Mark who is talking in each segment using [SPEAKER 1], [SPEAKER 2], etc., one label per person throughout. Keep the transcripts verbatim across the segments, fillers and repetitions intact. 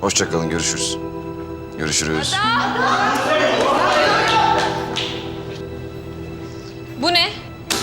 [SPEAKER 1] Hoşça kalın, görüşürüz. Görüşürüz.
[SPEAKER 2] Bu ne?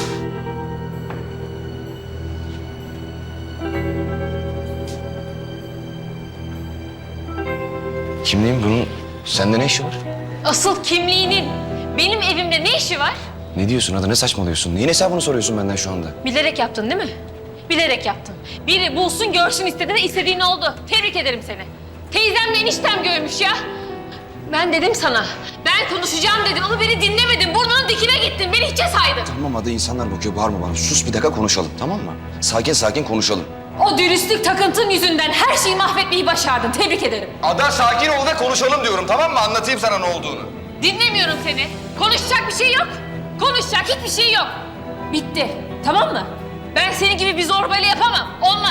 [SPEAKER 1] Kimliğin bunun sende ne işi var?
[SPEAKER 2] Asıl kimliğinin benim evimde ne işi var?
[SPEAKER 1] Ne diyorsun Ada, ne saçmalıyorsun? Neyin hesabını soruyorsun benden şu anda?
[SPEAKER 2] Bilerek yaptın değil mi? Bilerek yaptın. Biri bulsun görsün istedi de istediğin oldu. Tebrik ederim seni. Teyzemle eniştem görmüş ya. Ben dedim sana. Ben konuşacağım dedim ama beni dinlemedin. Burnunun dikine gittin. Beni hiçe saydın.
[SPEAKER 1] Tamam Ada, insanlar bakıyor, bağırma bana. Sus bir dakika, konuşalım, tamam mı? Sakin sakin konuşalım.
[SPEAKER 2] O dürüstlük takıntın yüzünden her şeyi mahvetmeyi başardın. Tebrik ederim.
[SPEAKER 1] Ada sakin ol da konuşalım diyorum, tamam mı? Anlatayım sana ne olduğunu.
[SPEAKER 2] Dinlemiyorum seni. Konuşacak bir şey yok. Konuşacak hiçbir şey yok. Bitti. Tamam mı? Ben senin gibi bir zorbayla yapamam. Olmaz.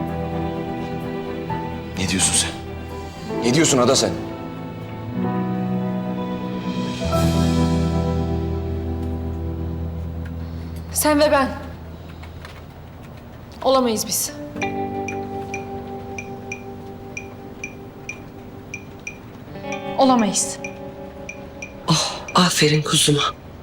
[SPEAKER 1] Ne diyorsun sen? Ne diyorsun Ada sen?
[SPEAKER 2] Sen ve ben. Olamayız biz. Olamayız.
[SPEAKER 3] Aferin kuzuma.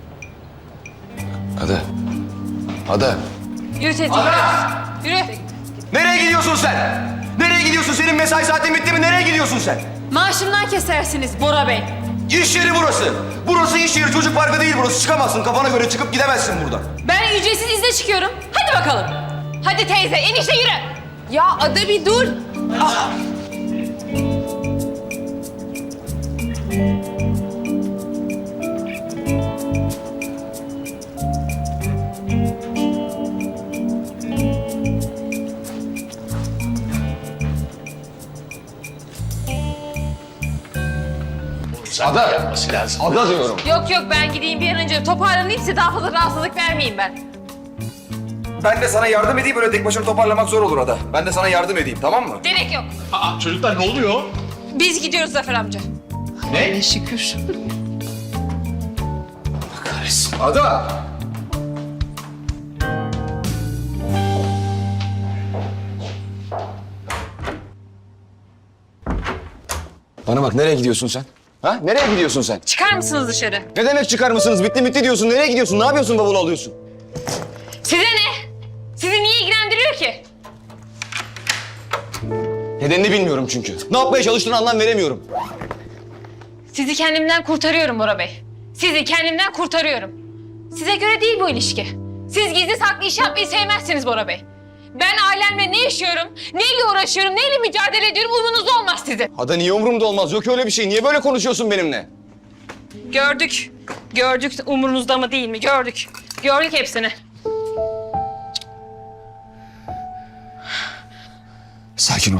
[SPEAKER 1] Ada. Ada.
[SPEAKER 2] Yürü teyze. Yürü.
[SPEAKER 4] Nereye gidiyorsun sen? Nereye gidiyorsun? Senin mesai saatin bitti mi? Nereye gidiyorsun sen?
[SPEAKER 2] Maaşımdan kesersiniz Bora Bey.
[SPEAKER 4] İş yeri burası. Burası iş yeri, çocuk parkı değil burası. Çıkamazsın, kafana göre çıkıp gidemezsin buradan.
[SPEAKER 2] Ben ücretsiz izne çıkıyorum. Hadi bakalım. Hadi teyze, enişte yürü. Ya Ada bir dur.
[SPEAKER 1] Ada.
[SPEAKER 5] Yapması lazım.
[SPEAKER 1] Ada diyorum.
[SPEAKER 2] Yok yok ben gideyim bir an önce toparlanayım size daha fazla rahatsızlık vermeyeyim ben.
[SPEAKER 4] Ben de sana yardım edeyim, böyle tek başına toparlamak zor olur Ada. Ben de sana yardım edeyim, tamam mı?
[SPEAKER 2] Gerek yok.
[SPEAKER 5] Aa, çocuklar ne oluyor?
[SPEAKER 2] Biz gidiyoruz Zafer amca.
[SPEAKER 5] Ne?
[SPEAKER 3] Şükür.
[SPEAKER 1] Kahretsin.
[SPEAKER 4] Ada!
[SPEAKER 1] Bana bak, nereye gidiyorsun sen? Ha? Nereye gidiyorsun sen?
[SPEAKER 2] Çıkar mısınız dışarı?
[SPEAKER 1] Ne demek çıkar mısınız? Bitti bitti diyorsun. Nereye gidiyorsun? Ne yapıyorsun, bavulu alıyorsun?
[SPEAKER 2] Size ne? Sizi niye ilgilendiriyor ki?
[SPEAKER 1] Nedenini bilmiyorum çünkü. Ne yapmaya çalıştığını anlam veremiyorum.
[SPEAKER 2] Sizi kendimden kurtarıyorum Bora Bey. Sizi kendimden kurtarıyorum. Size göre değil bu ilişki. Siz gizli saklı iş yapmayı sevmezsiniz Bora Bey. Ben ailemle ne yaşıyorum, neyle uğraşıyorum, neyle mücadele ediyorum umurunuzda olmaz sizin.
[SPEAKER 1] Ada niye umurumda olmaz? Yok öyle bir şey. Niye böyle konuşuyorsun benimle?
[SPEAKER 2] Gördük. Gördük umurunuzda mı değil mi? Gördük. Gördük hepsini.
[SPEAKER 1] Sakin ol.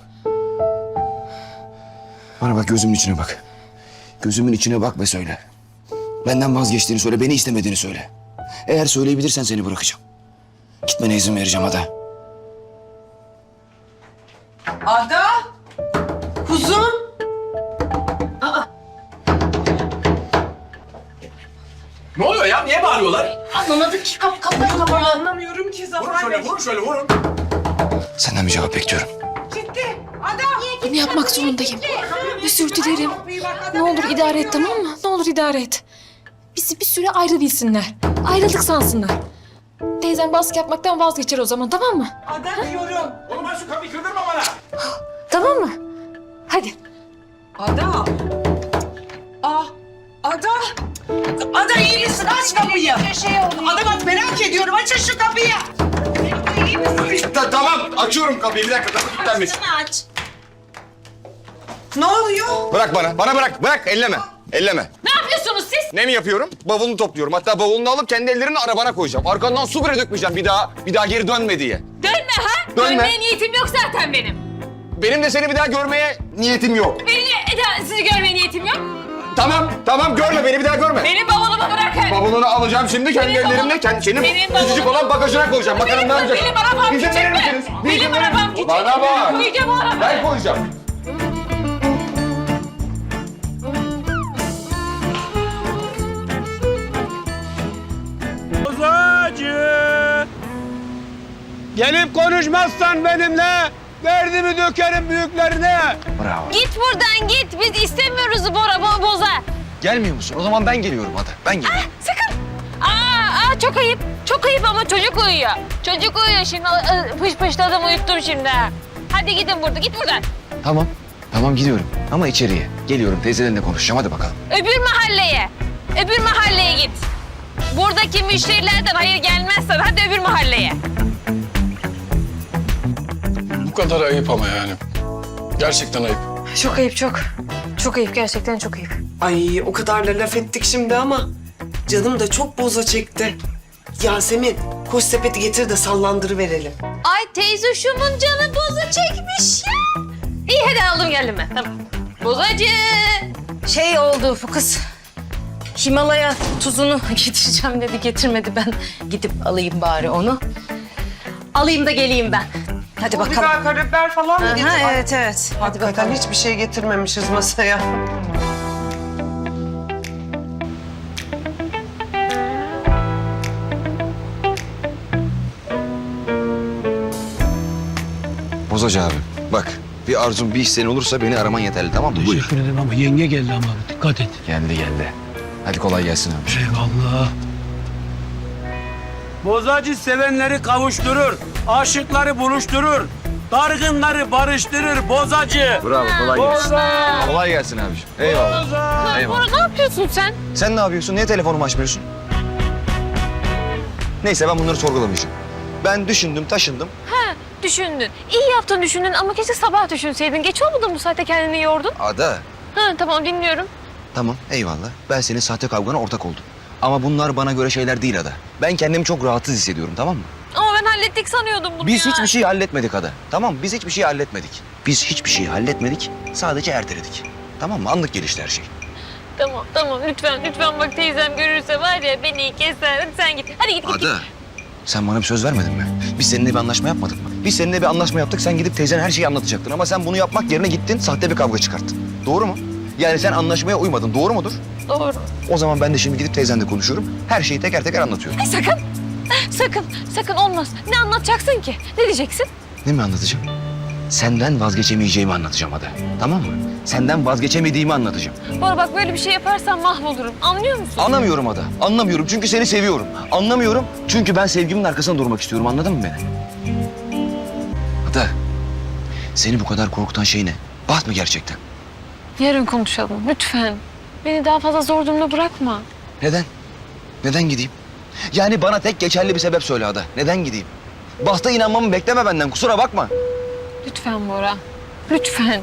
[SPEAKER 1] Bana bak, gözümün içine bak. Gözümün içine bak ve söyle. Benden vazgeçtiğini söyle, beni istemediğini söyle. Eğer söyleyebilirsen seni bırakacağım. Gitmene izin vereceğim Ada.
[SPEAKER 3] Ada! Kuzum!
[SPEAKER 5] Ne oluyor ya? Niye bağırıyorlar?
[SPEAKER 3] Anlamadık ki kap kapıyı kapalı. Anlamıyorum ki
[SPEAKER 5] Vurun
[SPEAKER 3] Zafer
[SPEAKER 5] şöyle,
[SPEAKER 3] Bey.
[SPEAKER 5] vurun şöyle, vurun.
[SPEAKER 1] Senden bir cevap bekliyorum.
[SPEAKER 3] Gitti. Ada!
[SPEAKER 6] Bunu yapmak zorundayım. Özür dilerim. Ne olur idare et, tamam mı? Ne olur idare et. Bizi bir süre ayrı bilsinler. Ayrıldık sansınlar. Teyzem baskı yapmaktan vazgeçer o zaman, tamam mı?
[SPEAKER 3] Ada diyorum.
[SPEAKER 5] Oğlum ben şu kapıyı kırdırma bana.
[SPEAKER 6] Tamam mı? Hadi.
[SPEAKER 3] Ada! Ah! Ada! Ada iyi misin? Aç kapıyı. Ada bak merak ediyorum. Açın şu kapıyı. İyi misin?
[SPEAKER 4] Ta- tamam, açıyorum kapıyı. Bir dakika, tamam. Kilitlenmiş.
[SPEAKER 3] Aç. Ne oluyor?
[SPEAKER 4] Bırak bana, bana bırak. Bırak, elleme. Elleme.
[SPEAKER 2] Ne yapıyorsunuz siz?
[SPEAKER 4] Ne mi yapıyorum? Bavulunu topluyorum. Hatta bavulunu alıp kendi ellerimle arabana koyacağım. Arkandan su bile dökmeyeceğim bir daha. Bir daha geri dönme diye.
[SPEAKER 2] Dönme ha?
[SPEAKER 4] Dönme.
[SPEAKER 2] Dönmeye niyetim yok zaten benim.
[SPEAKER 4] Benim de seni bir daha görmeye niyetim yok.
[SPEAKER 2] Benim de Eda, sizi görmeye niyetim yok.
[SPEAKER 4] Tamam, tamam görme beni bir daha görme.
[SPEAKER 2] Benim bavulumu bırakın.
[SPEAKER 4] Bavulunu alacağım şimdi kendi
[SPEAKER 2] Benim
[SPEAKER 4] ellerimle.
[SPEAKER 2] bavulum-
[SPEAKER 4] Kendi, senin
[SPEAKER 2] benim
[SPEAKER 4] küçücük
[SPEAKER 2] bavulum-
[SPEAKER 4] olan bagajına koyacağım. Bakalım
[SPEAKER 2] Benim-
[SPEAKER 4] ne yapacak?
[SPEAKER 2] benim arabam
[SPEAKER 4] İzin
[SPEAKER 2] küçük
[SPEAKER 4] verir
[SPEAKER 2] mü?
[SPEAKER 4] misiniz? Bir
[SPEAKER 2] Benim
[SPEAKER 4] izin verir
[SPEAKER 2] arabam
[SPEAKER 4] misiniz?
[SPEAKER 2] küçük.
[SPEAKER 4] Bana bak.
[SPEAKER 2] Koyacağım o arabayı.
[SPEAKER 4] Ben koyacağım.
[SPEAKER 7] Gelip konuşmazsan benimle Derdimi dökerim büyüklerine.
[SPEAKER 1] Bravo.
[SPEAKER 2] Git buradan git. Biz istemiyoruz Bora bo- Boza.
[SPEAKER 1] Gelmiyor musun? O zaman ben geliyorum Ada. Ben geliyorum.
[SPEAKER 2] Sakın. Aa, aa çok ayıp. Çok ayıp ama çocuk uyuyor. Çocuk uyuyor şimdi. Aa, Pış pışladım uyuttum şimdi. Hadi gidin burada. Git buradan.
[SPEAKER 1] Tamam. Tamam gidiyorum. Ama içeriye. Geliyorum teyzelerinle konuşacağım. Hadi bakalım.
[SPEAKER 2] Öbür mahalleye. Öbür mahalleye git. Buradaki müşterilerden hayır gelmezsen hadi öbür mahalleye.
[SPEAKER 8] Bu kadar ayıp ama yani. Gerçekten ayıp.
[SPEAKER 6] Çok ayıp çok. Çok ayıp gerçekten çok ayıp.
[SPEAKER 3] Ay o kadar da laf ettik şimdi ama canım da çok boza çekti. Yasemin koş sepeti getir de sallandırıverelim.
[SPEAKER 2] Ay teyze şumun canı boza çekmiş ya. İyi hadi aldım geldim ben. Tamam. Bozacı. Şey oldu bu kız. Himalaya tuzunu getireceğim dedi getirmedi. Ben gidip alayım bari onu. Alayım da geleyim ben. Hadi
[SPEAKER 3] Bir
[SPEAKER 2] bakalım.
[SPEAKER 3] daha karabiber falan mı getir?
[SPEAKER 2] Aha,
[SPEAKER 3] Ay,
[SPEAKER 2] evet evet. Hadi
[SPEAKER 3] hakikaten
[SPEAKER 2] bakalım.
[SPEAKER 3] hiçbir şey getirmemişiz masaya.
[SPEAKER 1] Bozacı abi. Bak bir arzun bir isteğin olursa beni araman yeterli tamam mı? Buyur.
[SPEAKER 7] Teşekkür ederim ama yenge geldi ama dikkat et.
[SPEAKER 1] Geldi geldi. Hadi kolay gelsin abi.
[SPEAKER 7] Eyvallah. Bozacı sevenleri kavuşturur, aşıkları buluşturur, dargınları barıştırır bozacı.
[SPEAKER 1] Bravo kolay gelsin.
[SPEAKER 7] Boza!
[SPEAKER 1] Kolay gelsin abiciğim. Eyvallah.
[SPEAKER 7] Boza!
[SPEAKER 1] Eyvallah.
[SPEAKER 2] Bora ne yapıyorsun sen?
[SPEAKER 1] Sen ne yapıyorsun? Niye telefonumu açmıyorsun? Neyse ben bunları sorgulamayacağım. Ben düşündüm, taşındım.
[SPEAKER 2] Ha düşündün. İyi yaptın düşündün ama keşke sabah düşünseydin. Geç olmadı mı bu saatte kendini yordun?
[SPEAKER 1] Ada.
[SPEAKER 2] Ha tamam dinliyorum.
[SPEAKER 1] Tamam eyvallah. Ben senin sahte kavgana ortak oldum. Ama bunlar bana göre şeyler değil Ada. Ben kendimi çok rahatsız hissediyorum tamam mı?
[SPEAKER 2] Ama ben hallettik sanıyordum bunu
[SPEAKER 1] Biz
[SPEAKER 2] ya.
[SPEAKER 1] hiçbir şey halletmedik Ada. Tamam mı? Biz hiçbir şey halletmedik. Biz hiçbir şey halletmedik. Sadece erteledik. Tamam mı? Anlık gelişti her şey.
[SPEAKER 2] Tamam tamam lütfen lütfen bak teyzem görürse var ya beni keser. Hadi sen git. Hadi git git. git.
[SPEAKER 1] Ada. Sen bana bir söz vermedin mi? Biz seninle bir anlaşma yapmadık mı? Biz seninle bir anlaşma yaptık. Sen gidip teyzene her şeyi anlatacaktın. Ama sen bunu yapmak yerine gittin. Sahte bir kavga çıkarttın. Doğru mu? Yani sen anlaşmaya uymadın. Doğru mudur?
[SPEAKER 2] Doğru.
[SPEAKER 1] O zaman ben de şimdi gidip teyzenle konuşuyorum. Her şeyi teker teker anlatıyorum.
[SPEAKER 2] Ay sakın. Sakın. Sakın olmaz. Ne anlatacaksın ki? Ne diyeceksin?
[SPEAKER 1] Ne mi anlatacağım? Senden vazgeçemeyeceğimi anlatacağım Ada. Tamam mı? Senden vazgeçemediğimi anlatacağım.
[SPEAKER 2] Bora bak böyle bir şey yaparsan mahvolurum. Anlıyor musun?
[SPEAKER 1] Anlamıyorum Ada. Anlamıyorum çünkü seni seviyorum. Anlamıyorum çünkü ben sevgimin arkasında durmak istiyorum. Anladın mı beni? Ada. Seni bu kadar korkutan şey ne? Baht mı gerçekten?
[SPEAKER 2] Yarın konuşalım lütfen. Beni daha fazla zor durumda bırakma.
[SPEAKER 1] Neden? Neden gideyim? Yani bana tek geçerli bir sebep söyle Ada. Neden gideyim? Bahta inanmamı bekleme benden. Kusura bakma.
[SPEAKER 2] Lütfen Bora. Lütfen.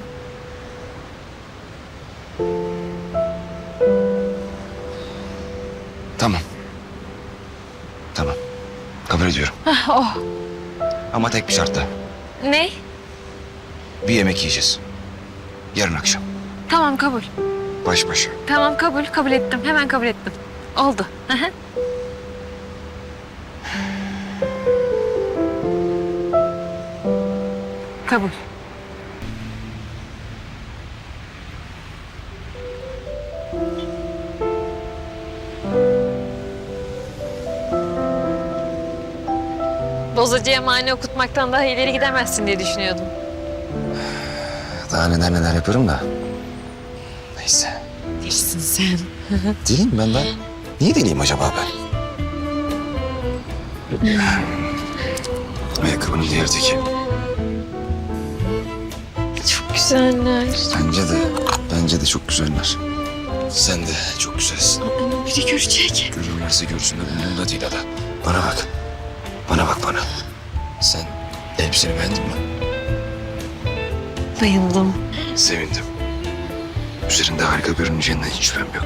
[SPEAKER 1] Tamam. Tamam. Kabul ediyorum.
[SPEAKER 2] Ah, oh.
[SPEAKER 1] Ama tek bir şartla.
[SPEAKER 2] Ne?
[SPEAKER 1] Bir yemek yiyeceğiz. Yarın akşam.
[SPEAKER 2] Tamam kabul.
[SPEAKER 1] Baş başa.
[SPEAKER 2] Tamam kabul. Kabul ettim. Hemen kabul ettim. Oldu. Hı hı. Kabul. Bozacıya mani okutmaktan daha ileri gidemezsin diye düşünüyordum.
[SPEAKER 1] Daha neler neler yaparım da. Neyse.
[SPEAKER 3] Değilsin sen.
[SPEAKER 1] Değilim ben ben. Niye deliyim acaba ben? Ayakkabının diğer teki.
[SPEAKER 2] Çok güzeller.
[SPEAKER 1] Bence de, bence de çok güzeller. Sen de çok güzelsin.
[SPEAKER 2] Ama biri görecek.
[SPEAKER 1] Görürlerse görsünler umurumda değil Ada. Bana bak. Bana bak bana. Sen elbiseni beğendin mi?
[SPEAKER 2] Bayıldım.
[SPEAKER 1] Sevindim. Üzerinde harika görüneceğinden hiç şüphem yok.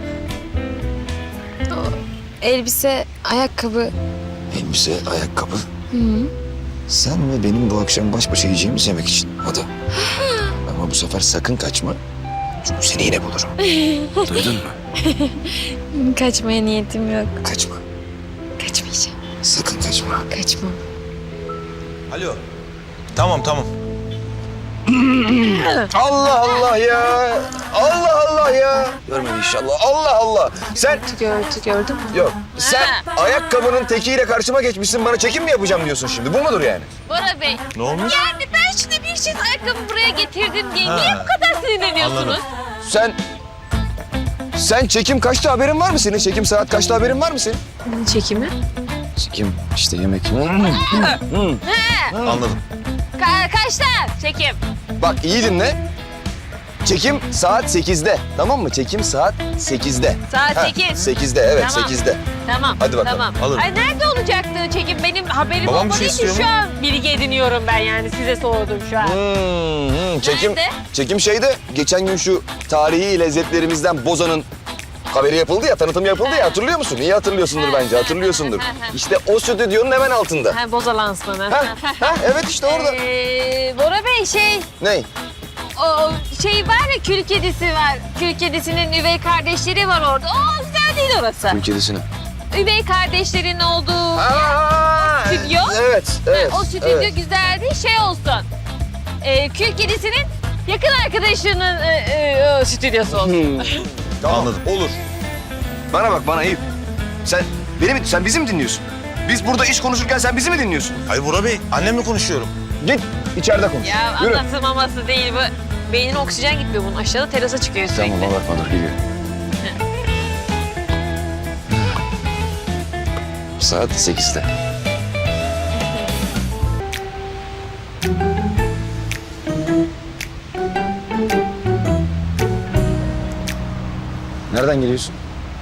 [SPEAKER 6] Elbise, ayakkabı.
[SPEAKER 1] Elbise, ayakkabı. Sen ve benim bu akşam baş başa yiyeceğimiz yemek için. Ada. Ama bu sefer sakın kaçma. Çünkü seni yine bulurum. Duydun mu?
[SPEAKER 6] Kaçmaya niyetim yok.
[SPEAKER 1] Kaçma.
[SPEAKER 6] Kaçmayacağım.
[SPEAKER 1] Sakın kaçma.
[SPEAKER 6] Kaçmam.
[SPEAKER 5] Alo. Tamam tamam.
[SPEAKER 1] Allah Allah ya. Allah Allah ya. Görmedi inşallah. Allah Allah. Sen
[SPEAKER 6] Gördü, gördüm.
[SPEAKER 1] yok. Sen ayakkabının tekiyle karşıma geçmişsin. Bana çekim mi yapacağım diyorsun şimdi? Bu mudur yani?
[SPEAKER 2] Bora Bey.
[SPEAKER 8] Ne olmuş?
[SPEAKER 2] Yani ben şimdi bir çift ayakkabı buraya getirdim diye niye bu kadar sinirleniyorsunuz?
[SPEAKER 1] Sen sen çekim kaçta haberin var mı senin? Çekim saat kaçta haberin var mı senin?
[SPEAKER 6] Çekimi?
[SPEAKER 1] Çekim işte yemek.
[SPEAKER 8] Anladım.
[SPEAKER 2] Ka- kaçta çekim?
[SPEAKER 1] Bak iyi dinle. Çekim saat sekizde. Tamam mı? Çekim saat sekizde.
[SPEAKER 2] Saat
[SPEAKER 1] Ha,
[SPEAKER 2] sekiz.
[SPEAKER 1] sekizde evet
[SPEAKER 2] Tamam.
[SPEAKER 1] sekizde.
[SPEAKER 2] Tamam.
[SPEAKER 1] Hadi bakalım,
[SPEAKER 2] Tamam.
[SPEAKER 8] alırım.
[SPEAKER 2] Ay nerede olacaktı çekim? Benim haberim
[SPEAKER 8] Babam bir
[SPEAKER 2] olmadığı
[SPEAKER 8] şey
[SPEAKER 2] için
[SPEAKER 8] istiyor
[SPEAKER 2] şu
[SPEAKER 8] mu?
[SPEAKER 2] an bilgi ediniyorum ben yani size sordum şu an.
[SPEAKER 1] Hmm, hmm, çekim
[SPEAKER 2] Nerede?
[SPEAKER 1] çekim şeyde geçen gün şu tarihi lezzetlerimizden Boza'nın haberi yapıldı ya, tanıtım yapıldı ya, hatırlıyor musun? İyi hatırlıyorsundur bence, hatırlıyorsundur. İşte o stüdyonun hemen altında.
[SPEAKER 2] Ha, Boza lansmanı.
[SPEAKER 1] Ha, ha, evet işte orada.
[SPEAKER 2] Ee, Bora Bey şey,
[SPEAKER 1] Ney?
[SPEAKER 2] o şey var ya kül kedisi var. Kül kedisinin üvey kardeşleri var orada. O güzel değil orası.
[SPEAKER 1] Kül kedisini.
[SPEAKER 2] Üvey kardeşlerin olduğu
[SPEAKER 1] Aa,
[SPEAKER 2] stüdyo.
[SPEAKER 1] Evet, evet.
[SPEAKER 2] o stüdyo
[SPEAKER 1] evet.
[SPEAKER 2] güzel değil şey olsun. Ee, kül kedisinin yakın arkadaşının e, e, o stüdyosu olsun.
[SPEAKER 1] Hmm. Tamam,
[SPEAKER 8] Anladım.
[SPEAKER 1] olur. Bana bak, bana Eyüp. Sen beni mi, sen bizi mi dinliyorsun? Biz burada iş konuşurken sen bizi mi dinliyorsun?
[SPEAKER 8] Hayır Bora Bey, annemle konuşuyorum.
[SPEAKER 1] Git, içeride konuş.
[SPEAKER 2] Ya
[SPEAKER 1] Yürü.
[SPEAKER 2] anlatılmaması değil bu. Beynin oksijen gitmiyor bunun. Aşağıda terasa çıkıyor sürekli.
[SPEAKER 1] Tamam, bakma dur, geliyor. Saat sekizde. Nereden geliyorsun?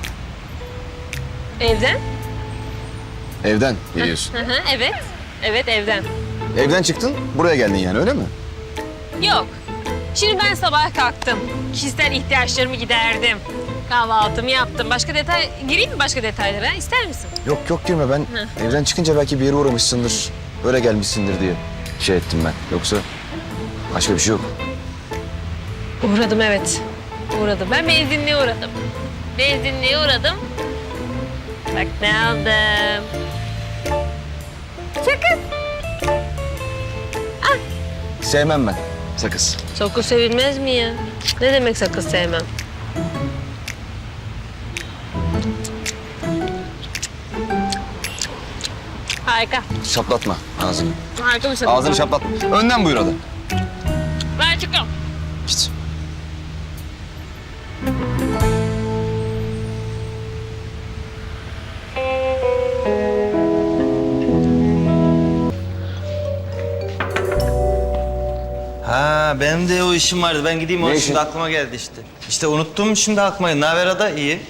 [SPEAKER 2] Evden?
[SPEAKER 1] Evden geliyorsun.
[SPEAKER 2] Hı hı, evet. Evet evden.
[SPEAKER 1] Evden çıktın, buraya geldin yani, öyle mi?
[SPEAKER 2] Yok. Şimdi ben sabah kalktım. Kişisel ihtiyaçlarımı giderdim. Kahvaltımı yaptım. Başka detay... Gireyim mi başka detaylara? İster misin?
[SPEAKER 1] Yok yok girme, ben evden çıkınca belki bir yere uğramışsındır, öyle gelmişsindir diye şey ettim ben. Yoksa başka bir şey yok.
[SPEAKER 2] Uğradım evet. Uğradım. Ben benzinliğe uğradım. Benzinliğe uğradım. Bak ne aldım. Sakız.
[SPEAKER 1] Sevmem ben sakız.
[SPEAKER 2] Sakız sevilmez mi ya? Ne demek sakız sevmem? Harika.
[SPEAKER 1] Şaplatma ağzını.
[SPEAKER 2] Harika bir sakız.
[SPEAKER 1] Ağzını şaplatma. Önden buyur hadi.
[SPEAKER 2] Ben çıkıyorum.
[SPEAKER 1] Git.
[SPEAKER 9] Ha benim de o işim vardı. Ben gideyim o
[SPEAKER 1] Ne
[SPEAKER 9] şimdi
[SPEAKER 1] işin?
[SPEAKER 9] aklıma geldi işte. İşte unuttum şimdi aklıma. Ne haber Ada? İyi.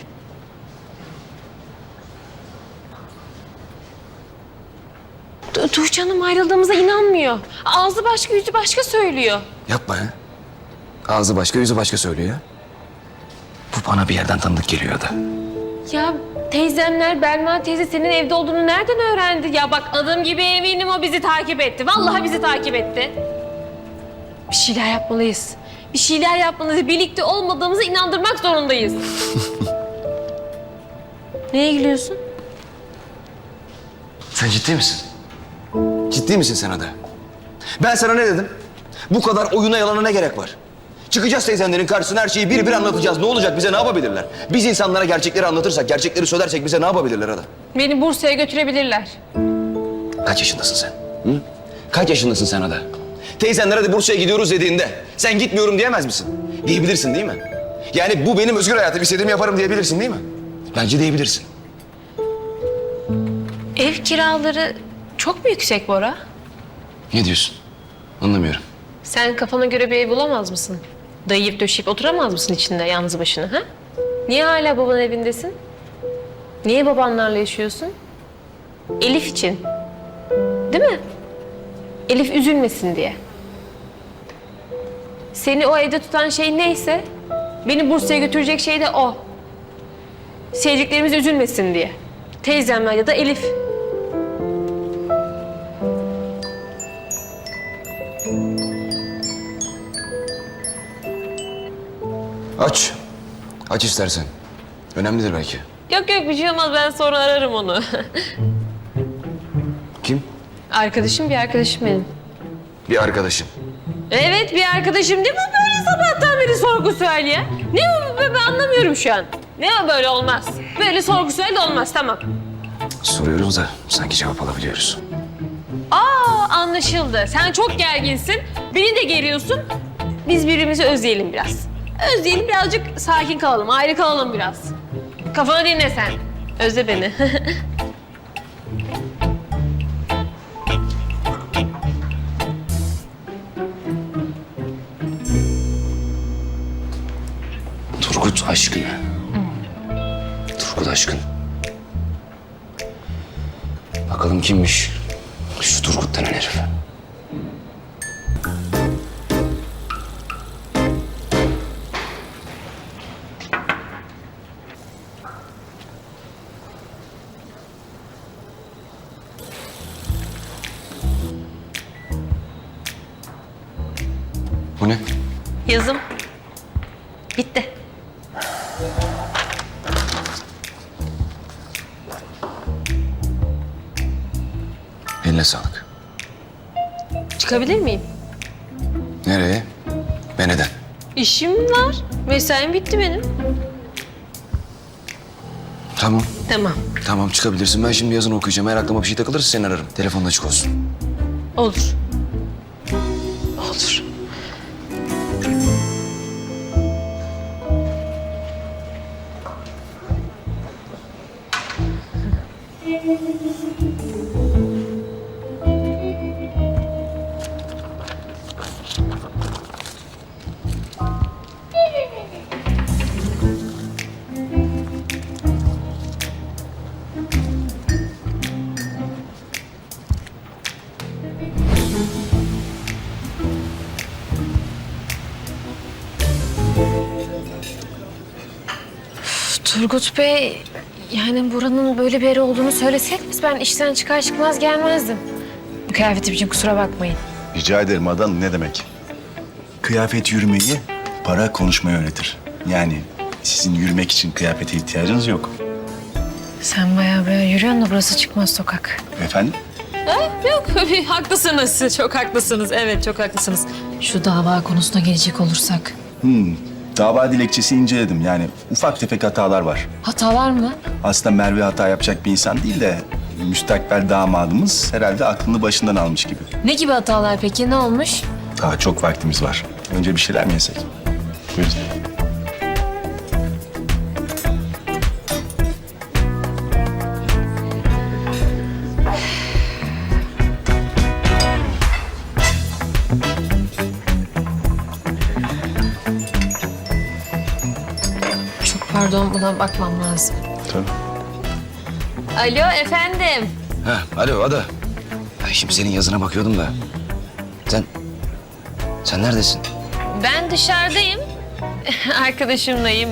[SPEAKER 2] Tu- Tuğçe Hanım ayrıldığımıza inanmıyor. Ağzı başka, yüzü başka söylüyor.
[SPEAKER 1] Yapma ya. Ağzı başka, yüzü başka söylüyor ya. Bu bana bir yerden tanıdık geliyor da.
[SPEAKER 2] Ya teyzemler, Belma teyze senin evde olduğunu nereden öğrendi? Ya bak adım gibi eminim o bizi takip etti. Vallahi bizi takip etti. Bir şeyler yapmalıyız. Bir şeyler yapmalıyız. Birlikte olmadığımızı inandırmak zorundayız. Neye gülüyorsun?
[SPEAKER 1] Sen ciddi misin? Ciddi misin sen Ada? Ben sana ne dedim? Bu kadar oyuna yalana ne gerek var? Çıkacağız teyzenlerin karşısına, her şeyi bir bir anlatacağız. Ne olacak, bize ne yapabilirler? Biz insanlara gerçekleri anlatırsak, gerçekleri söylersek bize ne yapabilirler Ada?
[SPEAKER 2] Beni Bursa'ya götürebilirler.
[SPEAKER 1] Kaç yaşındasın sen? Hı? Kaç yaşındasın sen Ada? Teyzenler hadi Bursa'ya gidiyoruz dediğinde sen gitmiyorum diyemez misin? Diyebilirsin değil mi? Yani bu benim özgür hayatım, istediğimi yaparım diyebilirsin değil mi? Bence diyebilirsin.
[SPEAKER 2] Ev kiraları çok mu yüksek Bora?
[SPEAKER 1] Ne diyorsun? Anlamıyorum.
[SPEAKER 2] Sen kafana göre bir ev bulamaz mısın? Dayayıp döşeyip oturamaz mısın içinde yalnız başına ha? Niye hala babanın evindesin? Niye babanlarla yaşıyorsun? Elif için. Değil mi? Elif üzülmesin diye. Seni o evde tutan şey neyse, beni Bursa'ya götürecek şey de o. Sevdiklerimiz üzülmesin diye. Teyzemler ya da Elif.
[SPEAKER 1] Aç. Aç istersen. Önemlidir belki.
[SPEAKER 2] Yok yok bir şey olmaz ben sonra ararım onu.
[SPEAKER 1] Kim?
[SPEAKER 2] Arkadaşım bir arkadaşım benim.
[SPEAKER 1] Bir arkadaşım.
[SPEAKER 2] Evet bir arkadaşım değil mi böyle sabahtan beri sorgu sual ya? Ne o ben anlamıyorum şu an. Ne o böyle olmaz. Böyle sorgu sual de olmaz tamam.
[SPEAKER 1] Soruyoruz da sanki cevap alabiliyoruz.
[SPEAKER 2] Aa anlaşıldı. Sen çok gerginsin. Beni de geriyorsun. Biz birbirimizi özleyelim biraz. Özleyelim birazcık sakin kalalım. Ayrı kalalım biraz. Kafanı dinle sen. Özle beni.
[SPEAKER 1] Turgut aşkın. Turgut aşkın. Bakalım kimmiş şu Turgut denen herif. Bu ne?
[SPEAKER 2] Yazım. Bitti.
[SPEAKER 1] Eline sağlık.
[SPEAKER 2] Çıkabilir miyim?
[SPEAKER 1] Nereye ve neden?
[SPEAKER 2] İşim var. Mesaim bitti benim.
[SPEAKER 1] Tamam.
[SPEAKER 2] Tamam.
[SPEAKER 1] Tamam çıkabilirsin. Ben şimdi yazını okuyacağım. Eğer aklıma bir şey takılırsa seni ararım. Telefonun açık olsun.
[SPEAKER 2] Olur. Olur. Turgut Bey, yani buranın böyle bir yeri olduğunu söyleseydiniz ben işten çıkar çıkmaz gelmezdim. Bu kıyafetim için kusura bakmayın.
[SPEAKER 10] Rica ederim Adan, ne demek? Kıyafet yürümeyi, para konuşmayı öğretir. Yani sizin yürümek için kıyafete ihtiyacınız yok.
[SPEAKER 2] Sen bayağı böyle yürüyorsun da burası çıkmaz sokak.
[SPEAKER 10] Efendim?
[SPEAKER 6] Yok haklısınız. Çok haklısınız. Evet çok haklısınız. Şu dava konusuna gelecek olursak.
[SPEAKER 10] Hmm, dava dilekçesi inceledim. Yani ufak tefek hatalar var.
[SPEAKER 6] Hatalar mı?
[SPEAKER 10] Aslında Merve hata yapacak bir insan değil de müstakbel damadımız herhalde aklını başından almış gibi.
[SPEAKER 6] Ne gibi hatalar peki? Ne olmuş?
[SPEAKER 10] Daha çok vaktimiz var. Önce bir şeyler mi yesek? Buyurun.
[SPEAKER 6] Çok pardon buna bakmam lazım.
[SPEAKER 10] Tabii.
[SPEAKER 2] Alo efendim.
[SPEAKER 1] Ha, alo Ada. Ay, şimdi senin yazına bakıyordum da. Sen, sen neredesin?
[SPEAKER 2] Ben dışarıdayım. Arkadaşımlayım.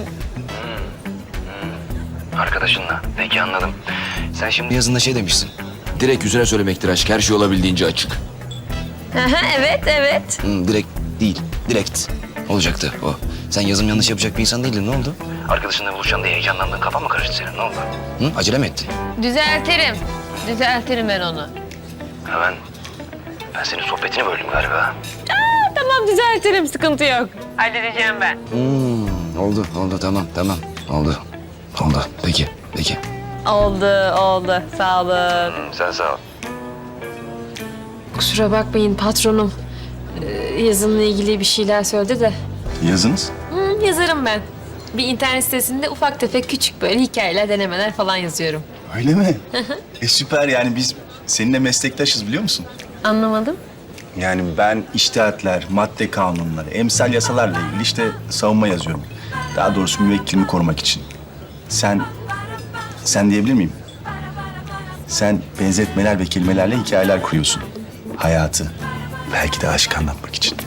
[SPEAKER 1] Arkadaşınla. Peki anladım. Sen şimdi yazında şey demişsin. Direkt yüzüne söylemektir aşk. Her şey olabildiğince açık.
[SPEAKER 2] Aha, evet evet.
[SPEAKER 1] Hı, direkt değil. Direkt. Olacaktı o. Sen yazım yanlış yapacak bir insan değildin. Ne oldu? Arkadaşınla buluşacaksın diye heyecanlandın. Kafan mı karıştı senin? Ne oldu? Hı? Acele mi etti?
[SPEAKER 2] Düzeltirim. Düzeltirim ben onu.
[SPEAKER 1] Ha ben... Ben senin sohbetini böldüm galiba.
[SPEAKER 2] Tamam düzeltirim sıkıntı yok. Halledeceğim ben.
[SPEAKER 1] Hmm, oldu, oldu. Tamam, tamam. Oldu. Oldu. Peki, peki.
[SPEAKER 2] Oldu oldu sağ olun.
[SPEAKER 1] Sen sağ ol.
[SPEAKER 6] Kusura bakmayın patronum. Ee, yazımla ilgili bir şeyler söyledi de.
[SPEAKER 10] Yazınız?
[SPEAKER 6] Hı, yazarım ben. Bir internet sitesinde ufak tefek küçük böyle hikayeler, denemeler falan yazıyorum.
[SPEAKER 10] Öyle mi? e süper, yani biz seninle meslektaşız biliyor musun?
[SPEAKER 6] Anlamadım.
[SPEAKER 10] Yani ben iştihatler, madde kanunları, emsal yasalarla ilgili işte savunma yazıyorum. Daha doğrusu müvekkilimi korumak için. Sen, sen diyebilir miyim? Sen benzetmeler ve kelimelerle hikayeler kuruyorsun. Hayatı, belki de aşk anlatmak için.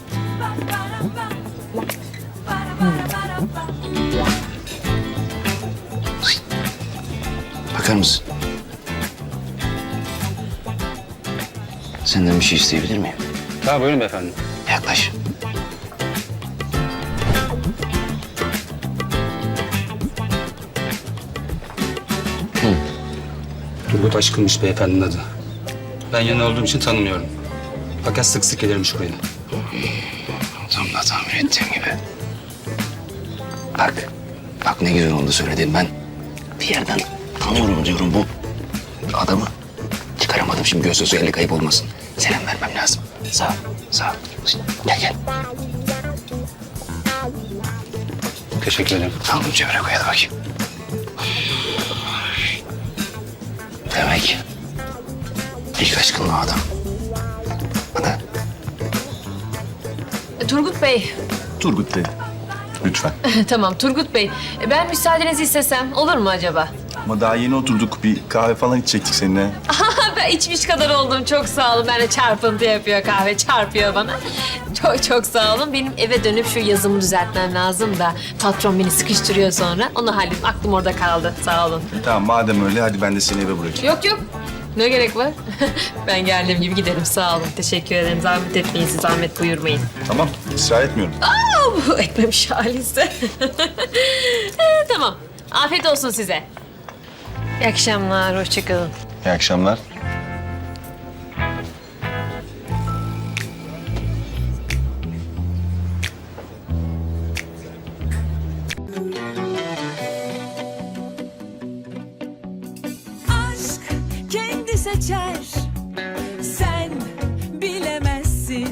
[SPEAKER 1] Bakar mısın? Senden bir şey isteyebilir miyim?
[SPEAKER 5] Tabii buyurun efendim.
[SPEAKER 1] Yaklaş.
[SPEAKER 5] Turgut Aşkın'mış beyefendinin adı. Ben yanında olduğum için tanımıyorum. Fakat sık sık gelirmiş buraya.
[SPEAKER 1] Tam da tahmin ettiğim gibi. Bak, bak ne güzel oldu söyledin. Ben bir yerden tanıyorum diyorum bu adamı. Çıkaramadım şimdi göz sözü eli kayıp olmasın. Selam vermem lazım. Sağ ol, sağ ol. Gel gel.
[SPEAKER 5] Teşekkür ederim.
[SPEAKER 1] Al bunu cebine koy hadi bakayım. Demek ilk aşkın o adam. Hadi.
[SPEAKER 2] Turgut Bey.
[SPEAKER 10] Turgut dedi. Lütfen.
[SPEAKER 2] Tamam Turgut Bey. Ben müsaadenizi istesem olur mu acaba?
[SPEAKER 10] Ama daha yeni oturduk. Bir kahve falan içecektik seninle.
[SPEAKER 2] Ben içmiş kadar oldum. Çok sağ olun. Ben de çarpıntı yapıyor kahve. Çarpıyor bana. Çok çok sağ olun. Benim eve dönüp şu yazımı düzeltmem lazım da patron beni sıkıştırıyor sonra. Onu halledip aklım orada kaldı. Sağ olun.
[SPEAKER 10] Tamam madem öyle hadi ben de seni eve bırakayım.
[SPEAKER 2] Yok yok. Ne gerek var? Ben geldiğim gibi giderim. Sağ olun. Teşekkür ederim. Zahmet etmeyin. Siz zahmet buyurmayın.
[SPEAKER 10] Tamam ısrar etmiyorum.
[SPEAKER 2] Bu etmemiş halise. Ee, tamam. Afiyet olsun size. İyi akşamlar. Hoşçakalın.
[SPEAKER 10] İyi akşamlar.
[SPEAKER 11] Aşk kendi seçer. Sen